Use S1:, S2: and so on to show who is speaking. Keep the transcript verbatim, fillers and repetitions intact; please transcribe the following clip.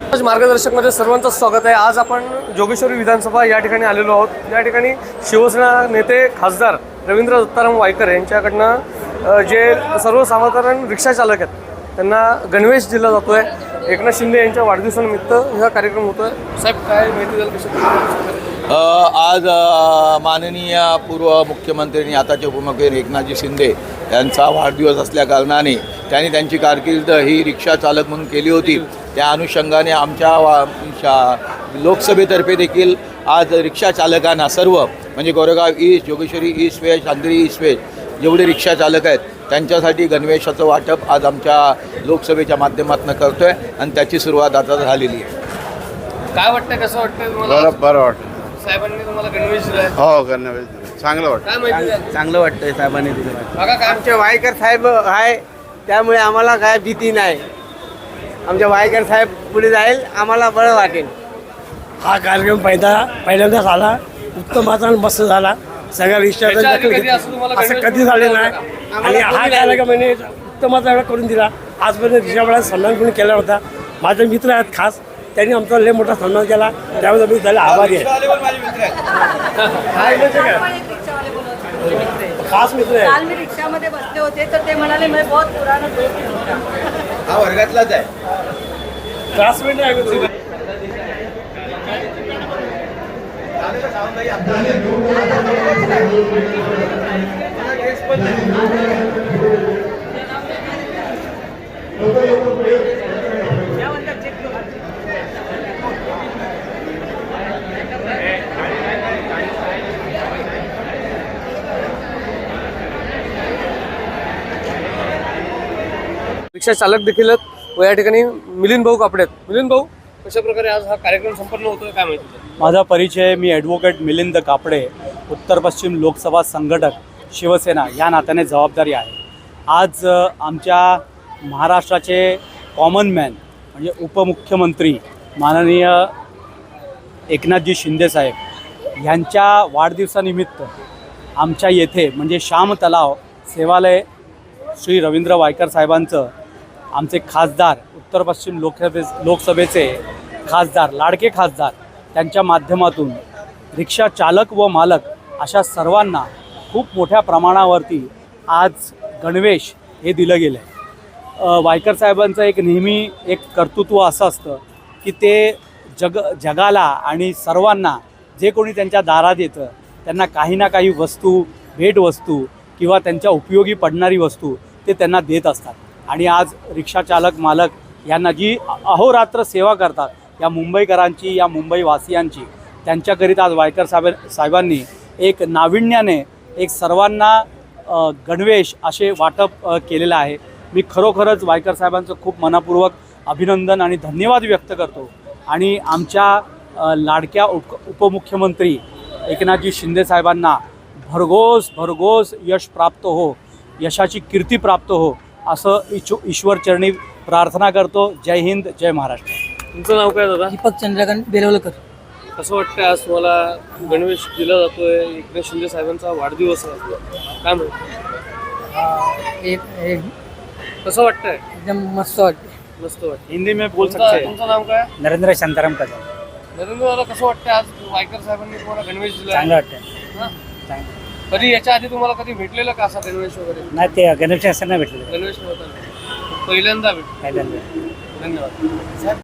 S1: मार्गदर्शकमध्ये सर्वांचं स्वागत आहे। आज आपण जोगेश्वरी विधानसभा या ठिकाणी आलेलो आहोत। या ठिकाणी शिवसेना नेते खासदार रवींद्र दत्ताराम वायकर यांच्याकडनं जे सर्वसाधारण रिक्षा चालक आहेत त्यांना गणवेश दिला जातो आहे। एकनाथ शिंदे यांच्या वाढदिवसानिमित्त हा कार्यक्रम होतो आहे। साहेब काय माहिती द्याल कशा?
S2: आज माननीय पूर्व मुख्यमंत्री आणि आताचे उपमुख्यमंत्री एकनाथजी शिंदे यांचा वाढदिवस असल्या कारणाने त्यांनी त्यांची कारकीर्द ही रिक्षा चालक म्हणून केली होती। त्या अनुषंगाने आमच्या वा लोकसभेतर्फे देखील आज रिक्षा चालकांना सर्व म्हणजे Goregaon east, Jogeshwari east west, Andheri east west जेवढे रिक्षा चालक आहेत त्यांच्यासाठी गणवेशाचं वाटप आज आमच्या लोकसभेच्या माध्यमातून करतो आहे आणि त्याची सुरुवात आता झालेली आहे।
S1: काय वाटतं, कसं वाटतं तुम्हाला?
S3: बरं बरं वाटतं
S1: साहेबांनी तुम्हाला गणवेश दिलाय?
S3: हो गणवेश दिला, चांगलं वाटतं।
S1: काय माहिती?
S4: चांगलं वाटतंय साहेबांनी दिलं।
S1: बघा काय
S4: आमचे वायकर साहेब आहे त्यामुळे आम्हाला काय भीती नाही। आमच्या वायकर साहेब पुढे जाईल, आम्हाला बरं वाटेल।
S5: हा कार्यक्रम पहिला पहिल्यांदाच आला, उत्तम असा मस्त झाला। सगळ्या रिक्षाचा
S1: याच्या आधी
S5: दखल
S1: कधी
S5: घेतली।
S1: असं तुम्हाला
S5: असं
S1: गणवेश
S5: कधी झाले नाही
S4: आम्हाला
S5: आणि हा
S4: कोणी
S5: कार्यक्रम म्हणजे उत्तमाचा एवढा करून दिला। आजपर्यंत रिक्षावाला सन्मान कोणी केला होता। माझे मित्र आहेत खास, त्यांनी आमचा लय मोठा सन्मान केला, त्यामुळे मी त्याला आभारी आहे। खास मित्र आहे।
S6: काल मी रिक्षामध्ये बसले होते तर ते म्हणाले मैं बहुत पुराना दोस्त हूं।
S2: हा वर्गातलाच आहे,
S5: क्लासमेट आहे।
S1: रिक्षा चालक देखील आहेत व या ठिकाणी मिलिंद भाऊ कापडे आहेत। मिलिंद भाऊ, कशा प्रकारे आज हा कार्यक्रम संपन्न होतोय काय माहिती?
S7: माझा परिचय, मी ॲडव्होकेट मिलिंद कापडे, उत्तर पश्चिम लोकसभा संघटक शिवसेना या नात्याने जबाबदारी आहे। आज आमच्या महाराष्ट्राचे कॉमन मॅन म्हणजे उपमुख्यमंत्री माननीय एकनाथजी शिंदेसाहेब यांच्या वाढदिवसानिमित्त आमच्या येथे म्हणजे श्याम तलाव सेवालय श्री रवींद्र वायकर साहेबांचं आमचे खासदार उत्तर पश्चिम लोकसभे लोकसभेचे खासदार लाडके खासदार त्यांच्या माध्यमातून रिक्षा चालक व मालक अशा सर्वांना खूप मोठ्या प्रमाणावरती आज गणवेश हे दिलं गेलं आहे। वायकर साहेबांचं एक नेहमी एक कर्तृत्व असं असतं की ते जग जगाला आणि सर्वांना जे कोणी त्यांच्या दारात येतं त्यांना काही ना काही वस्तू, भेटवस्तू किंवा त्यांच्या उपयोगी पडणारी वस्तू ते त्यांना देत असतात। आणि आज रिक्षा चालक मालक यांना जी अहोरात्र सेवा करतात या मुंबईकरांची, या मुंबईवासियांची, त्यांच्याकरिता आज वायकर साहेब साहेबांनी एक नाविन्याने एक सर्वांना गणवेश असे वाटप केलेलं आहे। मी खरोखरच वायकर साहेबांचं खूप मनपूर्वक अभिनंदन आणि धन्यवाद व्यक्त करतो आणि आमच्या लाडक्या उप उपमुख्यमंत्री एकनाथजी शिंदे साहेबांना भरघोस भरघोस यश प्राप्त हो, यशाची कीर्ती प्राप्त हो असं इच्छु ईश्वरचरणी प्रार्थना करतो। जय हिंद, जय महाराष्ट्र।
S1: तुमचं नाव काय दादा?
S6: दीपक चंद्रकांत बेलवलकर।
S1: कसं वाटतंय आज तुम्हाला गणवेश दिला जातोय? एकनाथ शिंदे साहेबांचा वाढदिवस आहे, काय माहिती?
S6: एक एक
S1: कसं वाटतंय?
S6: एकदम मस्त वाटते।
S1: मस्त वाटतं।
S7: हिंदी में बोल सकते
S1: तुमचं
S7: हैं।
S1: तुमचं नाव काय?
S5: नरेंद्र शांताराम कदम।
S1: नरेंद्र दादा, कसं वाटतंय आज वायकर साहेबांनी तुम्हाला गणवेश दिला?
S5: चांगलं वाटतं।
S1: हां? कधी याच्या आधी तुम्हाला कधी भेटलेलं का असा गणवेश वगैरे?
S5: नाही, ते गणेश असताना भेटले
S1: गणवेश नव्हता, पहिल्यांदा भेट।
S5: पहिल्यांदा।
S1: धन्यवाद।